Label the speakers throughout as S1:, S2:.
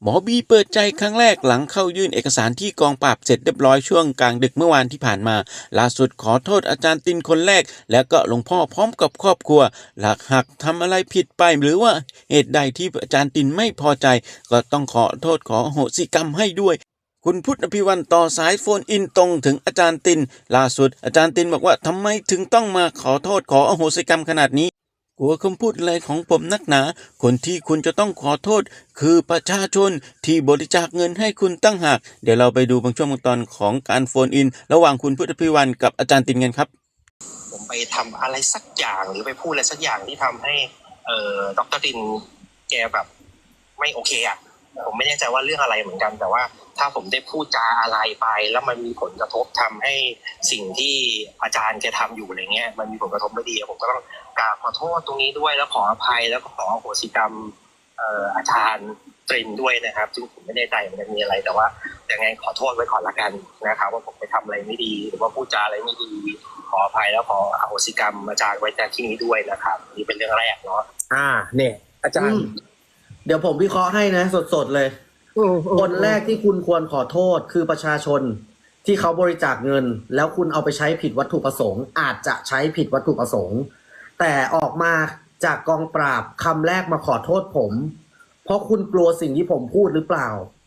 S1: หมอบีเปิดใจครั้งแรกหลังเข้ายื่นเอกสารที่กองปราบเสร็จเรียบร้อยช่วงกลางดึกเมื่อวานที่ผ่านมาล่าสุดขอโทษอาจารย์ตินคนแรกแล้วก็หลวงพ่อพร้อมกับครอบครัวหากทำอะไรผิดไปหรือว่าเหตุใดที่อาจารย์ตินไม่พอใจก็ต้องขอโทษขออโหสิกรรมให้ด้วยคุณพุทธอภิวันต่อสายโฟนอินตรงถึงอาจารย์ตินล่าสุดอาจารย์ตินบอกว่าทำไมถึงต้องมาขอโทษขออโหสิกรรมขนาดนี้กลัวคำพูดอะไรของผมนักหนาคนที่คุณจะต้องขอโทษคือประชาชนที่บริจาคเงินให้คุณตั้งหากเดี๋ยวเราไปดูบางช่วงบางตอนของการโฟนอินระหว่างคุณพุทธพิวันกับอาจารย์ตินกันครับ
S2: ผมไปทำอะไรสักอย่างหรือไปพูดอะไรสักอย่างที่ทำให้ดร.ตินแกแบบไม่โอเคอ่ะผมไม่แน่ใจว่าเรื่องอะไรเหมือนกันแต่ว่าถ้าผมได้พูดจาอะไรไปแล้วมันมีผลกระทบทำให้สิ่งที่อาจารย์แกทำอยู่อะไรเงี้ยมันมีผลกระทบไม่ดีผมก็ต้องกราบขอโทษตรงนี้ด้วยแล้วขออภัยแล้วก็ขออโหสิกรรมอาจารย์ตรินด้วยนะครับซึ่งผมไม่แน่ใจมันจะมีอะไรแต่ว่ายังไงขอโทษไว้ก่อนละกันนะครับว่าผมไปทำอะไรไม่ดีหรือว่าพูดจาอะไรไม่ดีขออภัยแล้วขออโหสิกรรมอาจารย์ไว้ในที่นี้ด้วยนะครับนี่เป็นเรื่องแรกเนาะ
S3: เนี่ยอาจารย์
S4: เดี๋ยวผมวิเคราะห์ให้นะสดๆเลยคนแรกที่คุณควรขอโทษคือประชาชนที่เขาบริจาคเงินแล้วคุณเอาไปใช้ผิดวัตถุประสงค์อาจจะใช้ผิดวัตถุประสงค์แต่ออกมาจากกองปราบคำแรกมาขอโทษผมเพราะคุณกลัวสิ่งที่ผมพูดหรือเปล่า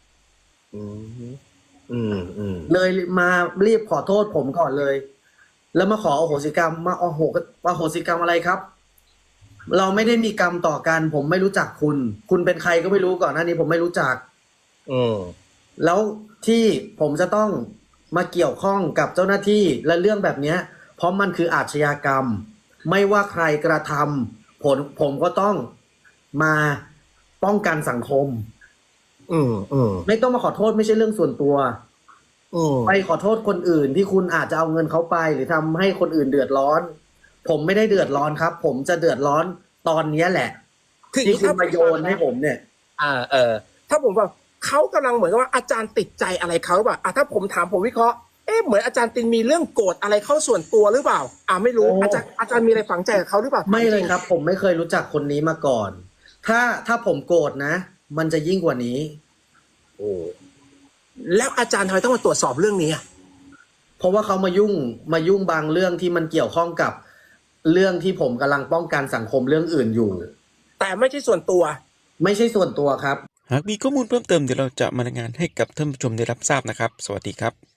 S4: เลยมารีบขอโทษผมก่อนเลยแล้วมาขออโหสิกรรมมาอโหสิกรรมอะไรครับเราไม่ได้มีกรรมต่อกันผมไม่รู้จักคุณเป็นใครก็ไม่รู้ก่อนหน้านี้ผมไม่รู้จักแล้วที่ผมจะต้องมาเกี่ยวข้องกับเจ้าหน้าที่และเรื่องแบบนี้เพราะมันคืออาชญากรรมไม่ว่าใครกระทำผมก็ต้องมาป้องกันสังคมไม่ต้องมาขอโทษไม่ใช่เรื่องส่วนตัวไปขอโทษคนอื่นที่คุณอาจจะเอาเงินเขาไปหรือทำให้คนอื่นเดือดร้อนผมไม่ได้เดือดร้อนครับผมจะเดือดร้อนตอนนี้แหละที่คุณมาโยนให้ผมเนี่ย
S3: ถ้าผมว่าเขากำลังเหมือนกับว่าอาจารย์ติดใจอะไรเขาหรือเปล่าถ้าผมถามผมวิเคราะห์เหมือนอาจารย์ตินมีเรื่องโกรธอะไรเข้าส่วนตัวหรือเปล่าไม่รู้อาจารย์มีอะไรฝังใจกับเขาหรือเปล่า
S4: ไม่เลยครับผมไม่เคยรู้จักคนนี้มาก่อนถ้าผมโกรธนะมันจะยิ่งกว่านี้
S3: แล้วอาจารย์ทำไมต้องมาตรวจสอบเรื่องนี้
S4: เพราะว่าเขามายุ่งบางเรื่องที่มันเกี่ยวข้องกับเรื่องที่ผมกำลังป้องกันสังคมเรื่องอื่นอยู่
S3: แต่ไม่ใช่ส่วนตัว
S4: ไม่ใช่ส่วนตัวครับ
S1: หากมีข้อมูลเพิ่มเติมเดี๋ยวเราจะมารายงานให้กับท่านผู้ชมได้รับทราบนะครับสวัสดีครับ